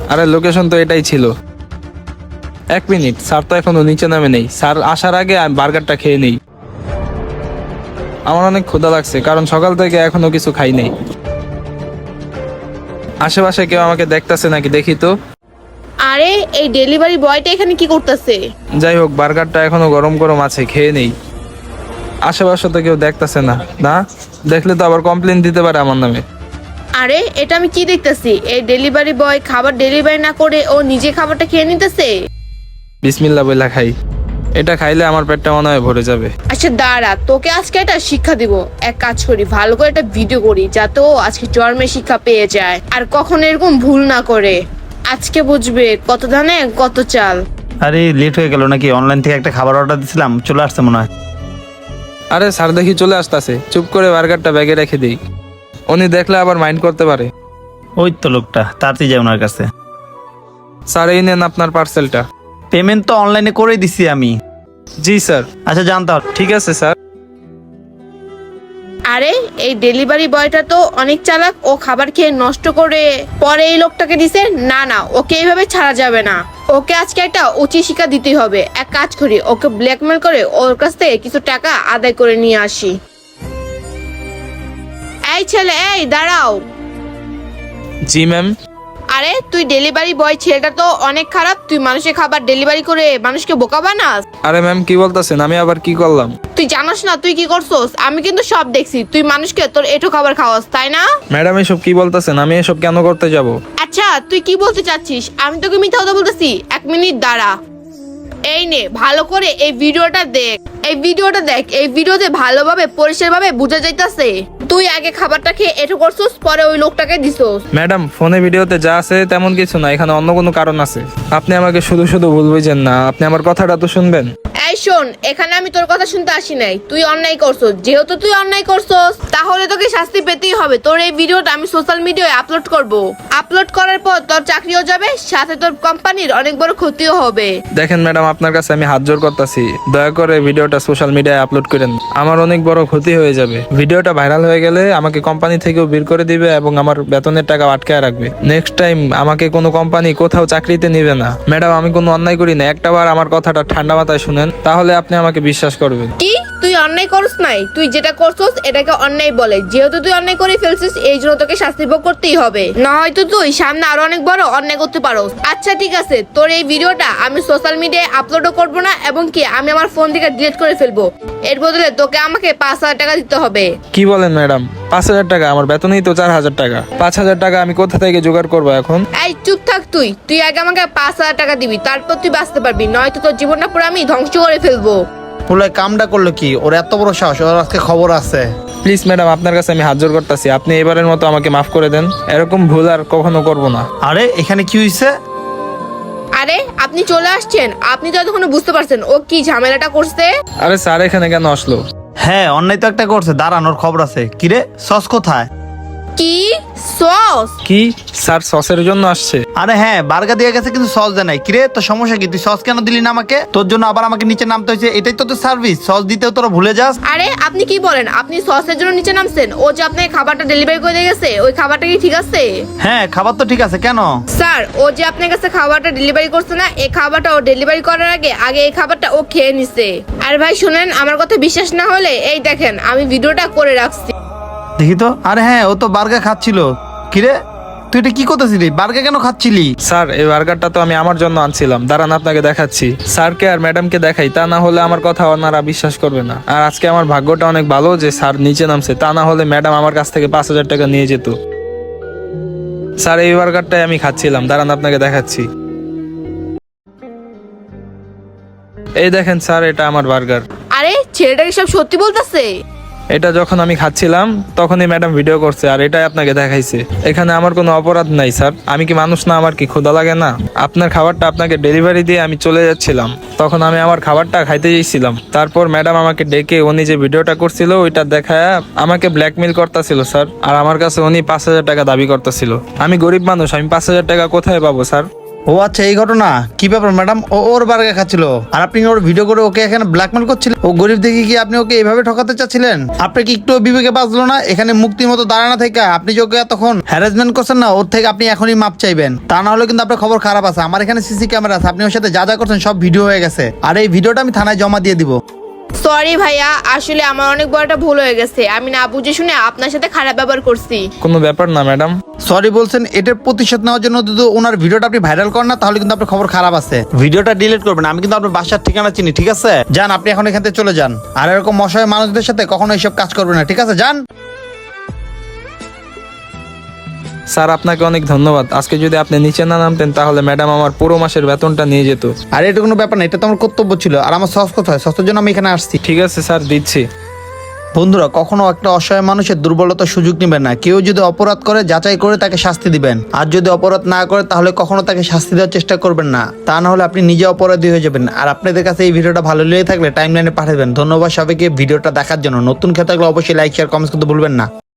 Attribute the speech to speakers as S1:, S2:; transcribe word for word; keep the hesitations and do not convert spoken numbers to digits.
S1: আরে লোকেশন তো এটাই ছিল। এক মিনিট, স্যার তো এখনো নিচে নামে নেই। স্যার আসার আগে আমি বার্গারটা খেয়ে নেই। আমার অনেক ক্ষুধা লাগছে, কারণ সকাল থেকে এখনো কিছু খাই নাই। আশেপাশে কেউ আমাকে দেখতাছে নাকি দেখি তো।
S2: আরে এই ডেলিভারি বয়টা এখানে কি করতেছে?
S1: যাই হোক, বার্গারটা এখনো গরম গরম আছে, খেয়ে নেই। আশেপাশে তো কেউ দেখতাছে না। না দেখলে তো আবার কমপ্লেন দিতে পারে আমার নামে।
S2: আরে এটা আমি কি দেখতেছি? এই ডেলিভারি বয় খাবার ডেলিভারি না করে ও নিজে খাবারটা খেয়ে নিতেছে।
S1: বিসমিল্লাহ বইলা খাই। এটা খাইলে আমার পেটটা মনে হয় ভরে যাবে।
S2: আচ্ছা দাঁড়া, তোকে আজকে একটা শিক্ষা দিব। এক কাজ করি, ভালো করে একটা ভিডিও করি যাতে ও আজকে জন্মের শিক্ষা পেয়ে যায় আর কখনো এরকম ভুল না করে। আজকে বুঝবে কত ধানে কত চাল।
S3: আরে লেট হয়ে গেল নাকি? অনলাইন থেকে একটা খাবার অর্ডার দিছিলাম, চলে আসছে মনে হয়।
S1: আরে স্যার দেখি চলে আসতেছে, চুপ করে বার্গারটা ব্যাগে রেখে দিই। উনি দেখলে আবার মাইন্ড করতে পারে।
S3: ওই তো লোকটা, তাড়াতাড়ি যায় ওনার কাছে।
S1: স্যার এই নেন আপনার পার্সেলটা।
S3: পেমেন্ট তো অনলাইনে করেই দিছি আমি।
S1: জি স্যার।
S3: আচ্ছা জানতাম।
S1: ঠিক আছে স্যার।
S2: আরে এই ডেলিভারি বয়টা তো অনেক চালাক, ও খাবার খেয়ে নষ্ট করে পরে এই লোকটাকে দিছে। না না, ওকে এইভাবে ছাড়া যাবে না। ওকে আজকে একটা উচিত শিক্ষা দিতেই হবে। এক কাজ করি, ওকে ব্ল্যাকমেল করে ওর কাছ থেকে কিছু টাকা আদায় করে নিয়ে আসি। এই ছেলে, এই দাঁড়াও।
S1: জি ম্যাম।
S2: আরে তুই ডেলিভারি বয়, ছেলেটা তো অনেক খারাপ। তুই মানুষের খাবার ডেলিভারি করে মানুষকে বোকা বানাস।
S1: আরে ম্যাম কি বলতেছেন? আমি আবার কি করলাম?
S2: তুই জানাস না তুই কি করছস? আমি কিন্তু সব দেখছি। তুই মানুষকে তোর এটো খাবার খাওয়াস, তাই না?
S1: ম্যাডাম এসব কি বলতেছেন? আমি এসব কেন করতে যাব?
S2: আচ্ছা তুই কি বলতে চাচ্ছিস? আমি তোকে মিথ্যা কথা বলতেছি? এক মিনিট দাঁড়া। এই নে, ভালো করে এই ভিডিওটা দেখ। এই ভিডিওটা দেখ, এই ভিডিওতে ভালোভাবে পরিষ্কারভাবে বোঝা যাইতাছে তুই আগে খাবারটা খেয়ে এটো করছস, পরে ওই লোকটাকে দিছস।
S1: ম্যাডাম ফোনে ভিডিওতে যা আছে তেমন কিছু না, এখানে অন্য কোনো কারণ আছে। আপনি আমাকে শুধু শুধু ভুল বুঝেন না, আপনি আমার কথাটা তো শুনবেন।
S2: এই শোন, এখানে আমি তোর কথা শুনতে আসি নাই। তুই অন্যায় করছস, যেহেতু তুই অন্যায় করছস তাহলে তোকে শাস্তি পেতেই হবে। তোর এই ভিডিওটা আমি সোশ্যাল মিডিয়ায় আপলোড করব। আপলোড করার পর তোর চাকরিও যাবে, সাথে তোর কোম্পানির অনেক বড় ক্ষতিও হবে।
S1: দেখেন ম্যাডাম, আপনার কাছে আমি হাত জোর করতেছি, দয়া করে ভিডিওটা সোশ্যাল মিডিয়ায় আপলোড করেন। আমার অনেক বড় ক্ষতি হয়ে যাবে। ভিডিওটা ভাইরাল হয়ে গেলে আমাকে কোম্পানি থেকেও বের করে দিবে এবং আমার বেতনের টাকা আটকায় রাখবে। নেক্সট টাইম আমাকে কোনো কোম্পানি কোথাও চাকরিতে নিবে না। ম্যাডাম আমি কোনো অন্যায় করি না, একটা বার আমার কথাটা ঠান্ডা মাথায় শুনেন, তাহলে আপনি আমাকে বিশ্বাস করবেন।
S2: কি তুই অন্যায় করছ নাই? তুই যেটা করছস এটাকে অন্যায় বলে। যেহেতু তুই অন্যায় করে ফেলছিস, এই জন্য তোকে শাস্তি ভোগ করতেই হবে, না হয়তো তুই সামনে আরো অনেক বড় অন্যায় করতে পারোস। আচ্ছা ঠিক আছে, তোর এই ভিডিওটা আমি সোশ্যাল মিডিয়ায় আপলোডও করবো না এবং কি আমি আমার ফোন থেকে ডিলিট করে ফেলবো। এর বদলে তোকে আমাকে পাঁচ হাজার টাকা দিতে হবে।
S1: কি বলেন ম্যাডাম? পাঁচ হাজার টাকা? আমার বেতনই তো চার হাজার টাকা। পাঁচ হাজার টাকা আমি কোথা থেকে জোগাড় করবো এখন?
S2: এই চুপ থাক তুই। তুই আগে আমাকে পাঁচ হাজার টাকা দিবি, তারপর তুই বাঁচতে পারবি, নয়তো তোর জীবনটা পুরো আমি ধ্বংস করে ফেলবো।
S3: পুরো কামটা করলো কি? ওর এত বড় সাহস, ওর আজকে খবর আছে।
S1: প্লিজ ম্যাডাম, আপনার কাছে আমি হাত জোর করতেছি, আপনি এবারের মতো আমাকে মাফ করে দেন। এরকম ভুল আর কখনো করবো না।
S3: আরে এখানে কি হয়েছে?
S2: আরে আপনি চলে আসছেন? আপনি তো এতক্ষণ বুঝতে পারছেন ও কি ঝামেলাটা করছে?
S1: আরে স্যার এখানে কেন আসলো?
S3: হ্যাঁ অন্যায় তো একটা করছে, দাঁড়ানোর খবর আছে। কিরে সস কোথায়?
S2: কি সস?
S1: কি স্যার সসের জন্য আসছে?
S3: আরে হ্যাঁ, বার্গার দিয়ে গেছে কিন্তু সস দেয় নাই। কিরে তোর সমস্যা কি? তুই সস কেন দিলি না আমাকে? তোর জন্য আবার আমাকে নিচে নামতে হয়েছে, এটাই তো তোর সার্ভিস। সস দিতেও তোরা ভুলে যাস।
S2: আরে আপনি কি বলেন? আপনি সসের জন্য নিচে নামছেন? ও যে আপনাকে খাবারটা ডেলিভারি করে দিয়ে গেছে, ওই খাবারটা কি ঠিক আছে?
S3: হ্যাঁ খাবার তো ঠিক আছে, কেন?
S2: স্যার ও যে আপনার কাছে খাবারটা ডেলিভারি করছে না, এই খাবারটা ও ডেলিভারি করার আগে আগে এই খাবারটা ও খেয়ে নিছে। আর ভাই শুনেন, আমার কথা বিশ্বাস না হলে এই দেখেন আমি ভিডিওটা করে রাখছি।
S3: দেখি তো। আরে হ্যাঁ, ও তো বার্গার খাচ্ছিল। কিরে তুই এটা কি করতেছিলি? বার্গার কেন খাচ্ছিলি?
S1: স্যার এই বার্গারটা তো আমি আমার জন্য আনছিলাম, দাঁড়ান আপনাকে দেখাচ্ছি। স্যারকে আর ম্যাডামকে দেখাই, তা না হলে আমার কথা ওনারা বিশ্বাস করবে না। আর আজকে আমার ভাগ্যটা অনেক ভালো যে স্যার নিচে নামছে, তা না হলে ম্যাডাম আমার কাছ থেকে পাঁচ হাজার টাকা নিয়ে যেত। স্যার এই বার্গারটাই আমি খাচ্ছিলাম, দাঁড়ান আপনাকে দেখাচ্ছি। এই দেখেন স্যার, এটা আমার বার্গার।
S2: আরে ছেলেটা কি সব সত্যি বলতেছে?
S1: এটা যখন আমি খাচ্ছিলাম তখনই ম্যাডাম ভিডিও করছে, আর এটাই আপনাকে দেখাইছে। এখানে আমার কোনো অপরাধ নাই স্যার। আমি কি মানুষ না? আমার কি ক্ষুধা লাগে না? আপনার খাবারটা আপনাকে ডেলিভারি দিয়ে আমি চলে যাচ্ছিলাম, তখন আমি আমার খাবারটা খাইতে যাইছিলাম। তারপর ম্যাডাম আমাকে ডেকে উনি যে ভিডিওটা করছিল ওইটা দেখায় আমাকে ব্ল্যাকমেল করতেছিল স্যার। আর আমার কাছে উনি পাঁচ হাজার টাকা দাবি করতেছিল। আমি গরিব মানুষ, আমি পাঁচ হাজার টাকা কোথায় পাবো স্যার?
S3: ও আচ্ছা, এই ঘটনা। কি ব্যাপার ম্যাডাম? ও ওর বার্গার খাচ্ছিল আর আপনি ওর ভিডিও করে ওকে এখানে ব্ল্যাকমেল করছিলেন? ও গরিব দেখে কি আপনি ওকে এইভাবে ঠকাতে চাচ্ছিলেন? আপনি কি একটু বিবেকে বাঁচলো না? এখানে মুক্তির মতো দাঁড়ানো থেকে আপনি যে ওকে তখন হ্যারাসমেন্ট করছেন না, ওর থেকে আপনি এখনই মাপ চাইবেন। তা না হলে কিন্তু আপনার খবর খারাপ আছে। আমার এখানে সিসি ক্যামেরা আছে, আপনি ওর সাথে যা যা করছেন সব ভিডিও হয়ে গেছে। আর এই ভিডিওটা আমি থানায় জমা দিয়ে দিব।
S2: সরি ভাইয়া, আসলে আমার অনেক বড় একটা ভুল হয়ে গেছে। আমি না বুঝে শুনে আপনার সাথে খারাপ ব্যবহার করছি।
S1: কোনো ব্যাপার না ম্যাডাম।
S3: সরি বলছেন, এটার প্রতিশোধ নেওয়ার জন্য যদি ওনার ভিডিওটা আপনি ভাইরাল করেন না, তাহলে কিন্তু আপনার খবর খারাপ আছে। ভিডিওটা ডিলিট করবেন। আমি কিন্তু আপনার বাসার ঠিকানা চিনি, ঠিক আছে? যান, আপনি এখন এখান থেকে চলে যান। আর এরকম অসহায় মানুষদের সাথে কখনো এইসব কাজ করবেন না, ঠিক আছে? যান।
S1: স্যার আপনাকে অনেক ধন্যবাদ। আজকে যদি আপনি নিচে না নামতেন তাহলে ম্যাডাম আমার পুরো মাসের বেতনটা নিয়ে যেত।
S3: আর এটা কোনো ব্যাপার না, এটা তো আমার কর্তব্য ছিল। আর আমার সস কোথায়? সসের জন্য আমি এখানে আসছি।
S1: ঠিক আছে স্যার, দিচ্ছি।
S3: বন্ধুরা, কখনো একটা অসহায় মানুষের দুর্বলতার সুযোগ নেবেন না। কেউ যদি অপরাধ করে যাচাই করে তাকে শাস্তি দিবেন। আর যদি অপরাধ না করে তাহলে কখনো তাকে শাস্তি দেওয়ার চেষ্টা করবেন না। তা না হলে আপনি নিজে অপরাধী হয়ে যাবেন। আর আপনাদের কাছে এই ভিডিওটা ভালো লেগে থাকলে টাইমলাইনে পাঠাবেন। ধন্যবাদ সবাইকে ভিডিওটা দেখার জন্য। নতুন খেতে থাকলে অবশ্যই লাইক শেয়ার কমেন্টস করতে ভুলবেন না।